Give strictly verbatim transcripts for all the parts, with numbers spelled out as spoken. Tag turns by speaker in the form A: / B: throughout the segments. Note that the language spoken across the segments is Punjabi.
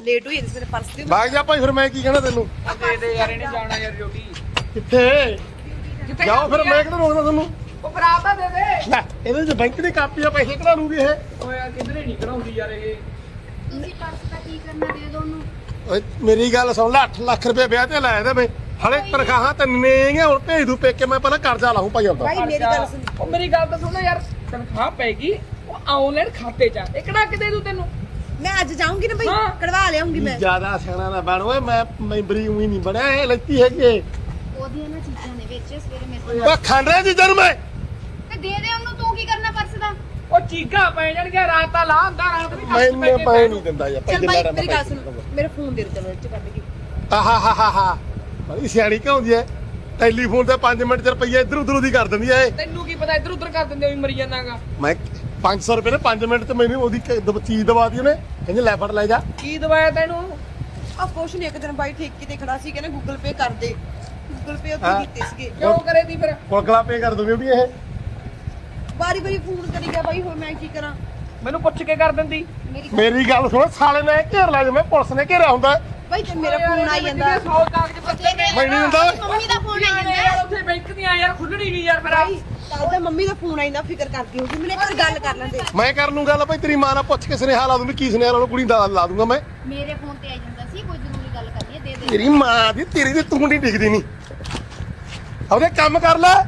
A: ਲੇਟ ਹੋਈ ਇਸ ਮੇਰੇ ਪਰਸ ਦੀ
B: ਬਾਗ ਜਾ ਭਾਈ ਫਿਰ ਮੈਂ ਕੀ ਕਹਿਣਾ ਤੈਨੂੰ
C: ਦੇ ਦੇ ਯਾਰ ਇਹਨੇ ਜਾਣਾ ਯਾਰ ਡਿਊਟੀ
B: ਕਿੱਥੇ ਜਾਓ ਫਿਰ ਮੈਂ ਕਿਹੜਾ ਰੋਕਦਾ ਤੁਹਾਨੂੰ
C: ਉਹ ਬਰਾਤ ਦਾ ਦੇ ਦੇ
B: ਲੈ ਇਹਦੇ ਚ ਬੈਂਕ ਦੀ ਕਾਪੀ ਆ ਪੈਸੇ ਕਢਾ ਲੂਗੀ ਇਹ
C: ਓਏ ਯਾਰ ਕਿਧਰੇ ਨਹੀਂ ਕਢਾਉਂਦੀ ਯਾਰ ਇਹ
D: ਤੁਸੀਂ ਪਰਸ ਦਾ ਕੀ ਕਰਨਾ ਦੇ ਦੋ ਉਹਨੂੰ
B: ਓਏ ਮੇਰੀ ਗੱਲ ਸੁਣ ਲੈ ਅੱਠ ਲੱਖ ਰੁਪਏ ਵਿਆਹ ਤੇ ਲਾਇਆ ਤੇ ਮੈਂ ਹਲੇ ਤਨਖਾਹਾਂ ਤੰਨੇ ਗਈਆਂ ਹੁਣ ਭੇਜ ਦੂ ਪੇਕੇ ਮੈਂ ਪਹਿਲਾਂ ਕਰਜ਼ਾ ਲਾਹੂੰ ਭਾਈ ਆਪਦਾ
A: ਭਾਈ ਮੇਰੀ ਗੱਲ ਸੁਣ
C: ਉਹ ਮੇਰੀ ਗੱਲ ਤਾਂ ਸੁਣ ਯਾਰ ਤਨਖਾਹ ਪੈਗੀ ਉਹ ਆਨਲਾਈਨ ਖਾਤੇ 'ਚ ਇਹ ਕਢਾ ਕੇ ਦੇ ਦੂ ਤੈਨੂੰ
A: ਮੈਂ ਅੱਜ ਜਾਊਂਗੀ ਨਾ ਬਈ
C: ਹਾਂ।
A: ਕਢਵਾ ਲਿਆਉਂਗੀ ਮੈਂ
B: ਜਿਆਦਾ ਸਿਆਣਾ ਨਾ ਬਣ ਓਏ ਮੈਂ ਮੈਂਬਰੀ ਉਹੀ ਨਹੀਂ ਬਣਿਆ ਇਹ ਲੈਤੀ ਹੈਗੀ ਇਹ।
D: ਉਹਦੀਆਂ ਨਾ ਚੀਜ਼ਾਂ ਨੇ ਵਿੱਚ ਸਵੇਰੇ ਮੇਰੇ
B: ਓਏ ਖਾਂਦੇ ਜੀ ਜਨ ਮੈਂ
D: ਤੇ ਦੇ ਦੇ ਉਹਨੂੰ ਤੂੰ ਕੀ ਕਰਨਾ ਪਰਸ ਦਾ
C: ਉਹ ਚੀਗਾ ਪੈ ਜਾਣਗੇ ਰਾਤ ਤਾਂ ਲਾ ਹੁੰਦਾ ਰਾਤ ਵੀ
B: ਮੈਨੂੰ ਪੈ ਨਹੀਂ ਦਿੰਦਾ ਯਾਰ
A: ਚੱਲ
B: ਪਹਿਲੇ
A: ਭਾਈ
B: ਲੜਾ
A: ਮੇਰੀ ਗੱਲ ਸੁਣ ਮੇਰੇ ਫੋਨ ਦੇ ਦੇ ਚਲੋ ਇੱਥੇ ਕੱਢ ਕੇ
B: ਆਹਾ ਹਾ ਹਾ ਹਾ ਬੜੀ ਸਿਆਣੀ ਕਿਉਂ ਹੁੰਦੀ ਐ ਟੈਲੀਫੋਨ ਤੇ ਪੰਜ ਮਿੰਟ ਚ ਰੁਪਈਆ ਇੱਧਰ ਉੱਧਰ ਦੀ ਕਰ ਦਿੰਦੀ ਐ ਇਹ।
C: ਤੈਨੂੰ ਕੀ ਪਤਾ ਇੱਧਰ ਉੱਧਰ ਕਰ ਦਿੰਦੇ ਹੋਈ ਮਰੀ ਜਾਂਦਾਗਾ
B: ਮੈਂ ਪੰਜ ਸੌ ਰੁਪਏ ਨੇ ਪੰਜ ਮਿੰਟ ਤੇ ਮੈਨੂੰ ਉਹਦੀ ਕ- ਦ- ਚੀਜ਼ ਦਵਾ ਦੀ ਉਹਨੇ ਕਹਿੰਦੇ ਲੈ ਫੜ ਲੈ ਜਾ
C: ਕੀ ਦਵਾਇਆ ਤੈਨੂੰ
A: ਆ ਕੁਛ ਨਹੀਂ ਇੱਕ ਦਿਨ ਬਾਈ ਠੇਕੇ ਤੇ ਖੜਾ ਸੀ ਕਹਿੰਦੇ ਗੂਗਲ ਪੇ ਕਰ ਦੇ ਗੂਗਲ ਪੇ
B: ਹਾਂ।
A: ਉੱਤੇ ਕੀਤੇ ਸੀਗੇ
C: ਕਿਉਂ ਕਰੇ ਦੀ ਫਿਰ
B: ਕੋਲਗਲਾ ਪੇ ਕਰ ਦੂੰਗੀ ਵੀ ਇਹ
A: ਵਾਰੀ ਵਾਰੀ ਫੋਨ ਕਰੀ ਗਿਆ ਬਾਈ ਹੁਣ ਮੈਂ ਕੀ ਕਰਾਂ
C: ਮੈਨੂੰ ਪੁੱਛ ਕੇ ਕਰ ਦਿੰਦੀ
D: ਮੇਰੀ
B: ਮੇਰੀ ਗੱਲ ਸੁਣ ਸਾਲੇ ਨੇ ਘੇਰ ਲਿਆ ਜਿਵੇਂ ਪੁਲਿਸ ਨੇ ਘੇਰਿਆ ਹੁੰਦਾ
A: ਬਾਈ ਤੇ ਮੇਰਾ ਫੋਨ ਆਈ ਜਾਂਦਾ
C: ਸੌ ਕਾਗਜ਼ ਪੱਤਰ ਨੇ
B: ਮੈਂ ਨਹੀਂ ਹੁੰਦਾ ਓਏ।
D: ਮੰਮੀ ਦਾ ਫੋਨ ਆ ਜਾਂਦਾ
C: ਯਾਰ ਉੱਥੇ ਬੈਂਕ ਦੀਆਂ ਯਾਰ ਖੁੱਲਣੀ ਨਹੀਂ ਯਾਰ ਮੇਰਾ
A: ਬਾਈ ਕੱਲ ਤਾਂ ਮੰਮੀ ਦਾ ਫੋਨ ਆਈ ਨਾ ਫਿਕਰ ਕਰਦੀ ਹੋਊਗੀ ਮੈਨੂੰ ਇੱਕ ਵਾਰ ਗੱਲ ਕਰ ਲੈਂਦੇ
B: ਮੈਂ ਕਰ ਲੂੰ ਗੱਲ ਭਾਈ ਤੇਰੀ ਮਾਂ ਨਾਲ ਪੁੱਛ ਕੇ ਸੁਨੇਹਾ ਲਾ ਦੂੰਗੀ ਕੀ ਸੁਨੇਹਾ ਲਾ ਕੁੜੀ ਦਾ ਲਾ ਦੂੰਗਾ ਮੈਂ
D: ਮੇਰੇ ਫੋਨ ਤੇ ਆ ਜਾਂਦਾ ਸੀ ਕੋਈ ਜ਼ਰੂਰੀ ਗੱਲ ਕਰਨੀ ਹੈ ਦੇ ਦੇ
B: ਤੇਰੀ ਮਾਂ ਦੀ ਤੇਰੀ ਦੀ ਤੂੰ ਨਹੀਂ ਦਿਖਦੀ ਨਹੀਂ ਉਹਦੇ ਕੰਮ ਕਰ ਲੈ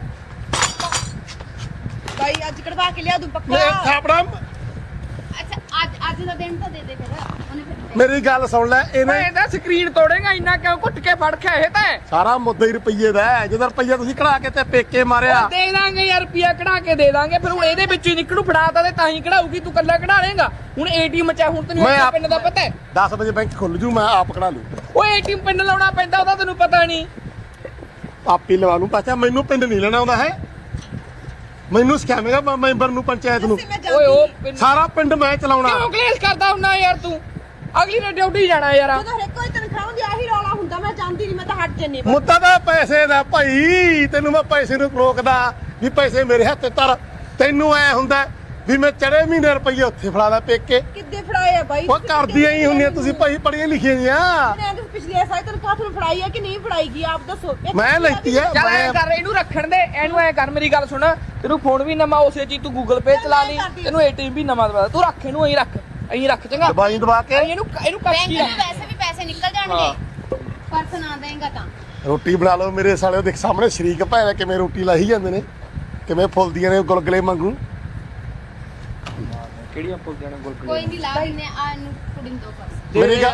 A: ਬਾਈ ਅੱਜ ਕਢਵਾ ਕੇ ਲਿਆ ਦੂੰ
B: ਮੈਂ
A: ਪੱਕਾ
B: ਥਾਪੜਾ
D: ਅੱਛਾ ਅੱਜ ਅੱਜ ਦਾ ਦਿਨ ਤਾਂ ਦੇ ਦੇ ਫਿਰ ਉਹਨੇ ਫਿਰ
B: ਮੇਰੀ ਗੱਲ ਸੁਣ ਲੈ ਇਹਨੇ
C: ਮੈਂ ਇਹਦਾ ਸਕਰੀਨ ਤੋੜੇਗਾ ਇੰਨਾ ਕਿਉਂ ਘੁੱਟ ਕੇ ਫੜ ਕੇ ਇਹ ਤਾਂ
B: ਸਾਰਾ ਮੁੱਦਾ ਹੀ ਰੁਪਈਏ ਦਾ ਹੈ। ਜਦੋਂ ਰੁਪਈਆ ਤੁਸੀਂ ਕਢਾ ਕੇ ਤੇ ਪੇਕੇ ਮਾਰਿਆ
C: ਉਹ ਦੇ ਦਾਂਗੇ ਯਾਰ ਰੁਪਿਆ ਕਢਾ ਕੇ ਦੇ ਦਾਂਗੇ ਫਿਰ ਹੁਣ ਇਹਦੇ ਵਿੱਚੋਂ ਹੀ ਨਿਕਲੂ ਫੜਾਤਾ ਤੇ ਤਾਂ ਹੀ ਕਢਾਊਗੀ ਤੂੰ ਕੱਲਾ ਕਢਾ ਲੇਗਾ ਹੁਣ ਏਟੀਐਮ ਚ ਆ, ਹੁਣ ਤੈਨੂੰ
B: ਮੈਂ
C: ਇਸ
B: ਆਪ-
C: ਪਿੰਡ ਦਾ ਪਤਾ ਹੈ
B: ਦਸ ਵਜੇ ਬੈਂਕ ਖੁੱਲ ਜੂ ਮੈਂ ਆਪ ਕਢਾ ਲੂ
C: ਉਹ ਏਟੀਐਮ ਪਿੰਡ ਲਾਉਣਾ ਪੈਂਦਾ ਉਹਦਾ ਤੈਨੂੰ ਪਤਾ ਨਹੀਂ
B: ਆਪੀ ਲਵਾ ਲੂ ਪਾਚਾ ਮੈਨੂੰ ਪਿੰਡ ਨਹੀਂ ਲੈਣਾ ਆਉਂਦਾ ਹੈ ਮੈਨੂੰ ਸਿਖਾਵੇਂਗਾ ਮੈਂ ਮੈਂਬਰ ਨੂੰ ਪੰਚਾਇਤ ਨੂੰ
A: ਮੈਂ
C: ਓਏ ਉਹ
A: ਜਾਂਦੀ
C: ਪਿੰਡ-
B: ਸਾਰਾ ਪਿੰਡ ਮੈਂ ਚਲਾਉਣਾ
C: ਕਿਉਂ ਕਲੇਸ਼ ਕਰਦਾ ਹੁੰਨਾ ਯਾਰ ਤੂੰ ਅਗਲੀ ਨੇ ਡਿਊਟੀ ਜਾਣਾ ਯਾਰ
A: ਜਦੋਂ ਹਰ ਕੋਈ ਤਨਖਾਹ ਦੀ ਆਹੀ ਰੌਲਾ ਹੁੰਦਾ ਮੈਂ ਜਾਂਦੀ ਨਹੀਂ ਮੈਂ ਤਾਂ ਹਟ ਜੰਨੀ
B: ਮੁੱਦਾ ਤਾਂ ਪੈਸੇ ਦਾ ਭਾਈ ਤੈਨੂੰ ਮੈਂ ਪੈਸੇ ਨੂੰ ਰੋਕਦਾ ਵੀ ਪੈਸੇ ਮੇਰੇ ਹੱਥ ਤੇ ਧਰ ਤੈਨੂੰ ਐ ਹੁੰਦਾ ਵੀ ਮੈਂ ਚੜੇ ਮਹੀਨੇ ਰੁਪਈਏ ਉੱਥੇ ਫੜਾ ਲਾ ਪੇਕੇ
A: ਕਿੱਦੇ ਫੜਾਏ ਆ ਬਾਈ
B: ਉਹ ਕਰਦੀਆਂ ਹੀ ਹੁੰਦੀਆਂ ਤੁਸੀਂ ਭਾਈ ਪੜ੍ਹੀਆਂ ਲਿਖੀਆਂ ਜੀਆਂ
A: ਮੈਂ ਤਾਂ ਪਿਛਲੇ ਸਾਲ ਤਨਖਾਹ ਤੁਹਾਨੂੰ ਫੜਾਈ ਆ ਕਿ ਨਹੀਂ ਫੜਾਈ ਗਈ ਆਪ ਦੱਸੋ ਇੱਕ
B: ਮੈਂ ਲੈਤੀ ਆ
C: ਚੱਲ ਐ
B: ਮੈਂ
C: ਕਰ ਇਹਨੂੰ ਰੱਖਣ ਦੇ ਇਹਨੂੰ ਐ ਕਰ ਮੇਰੀ ਗੱਲ ਸੁਣ ਤੈਨੂੰ ਫੋਨ ਵੀ ਨਵਾਂ ਉਸੇ ਚੀਜ਼ ਤੂੰ ਗੂਗਲ ਪੇ ਚਲਾ ਲਈ ਤੈਨੂੰ ਏਟੀਐਮ ਵੀ ਨਵਾਂ ਦਵਾ ਤੂੰ ਰੱਖ ਇਹਨੂੰ ਐਂ ਰੱਖ ਐਂ ਰੱਖ ਚੰਗਾ
B: ਦਵਾਈ ਦਵਾ ਕੇ
C: ਇਹਨੂੰ ਇਹਨੂੰ ਕੱਟ
D: ਬੈਂਕ
C: ਕੀ
D: ਨੂੰ ਵੈਸੇ ਵੀ ਪੈਸੇ ਨਿਕਲ ਜਾਣਗੇ ਪਰਸ ਨਾ ਦੇਂਗਾ ਤਾਂ
B: ਰੋਟੀ ਬਣਾ ਲਓ ਮੇਰੇ ਸਾਲੇ ਦੇਖ ਸਾਹਮਣੇ ਸ਼ਰੀਕ ਭੈਣ ਕਿਵੇਂ ਰੋਟੀ ਲਾਹੀ ਜਾਂਦੇ ਨੇ ਕਿਵੇਂ ਫੁੱਲਦੀਆਂ ਨੇ ਗੁਲਗਲੇ ਵਾਂਗੂ
C: ਕਿਹੜੀਆਂ ਪੁੱਲ ਜਾਣਾ ਗੁਲਗੁਲੇ
D: ਕੋਈ ਨਹੀਂ ਲਾ ਦਿੰਨੇ ਆ ਇਹਨੂੰ ਕੁੜੀ ਨੂੰ ਦੋ ਪਰਸ
B: ਮੇਰੀ ਗੱਲ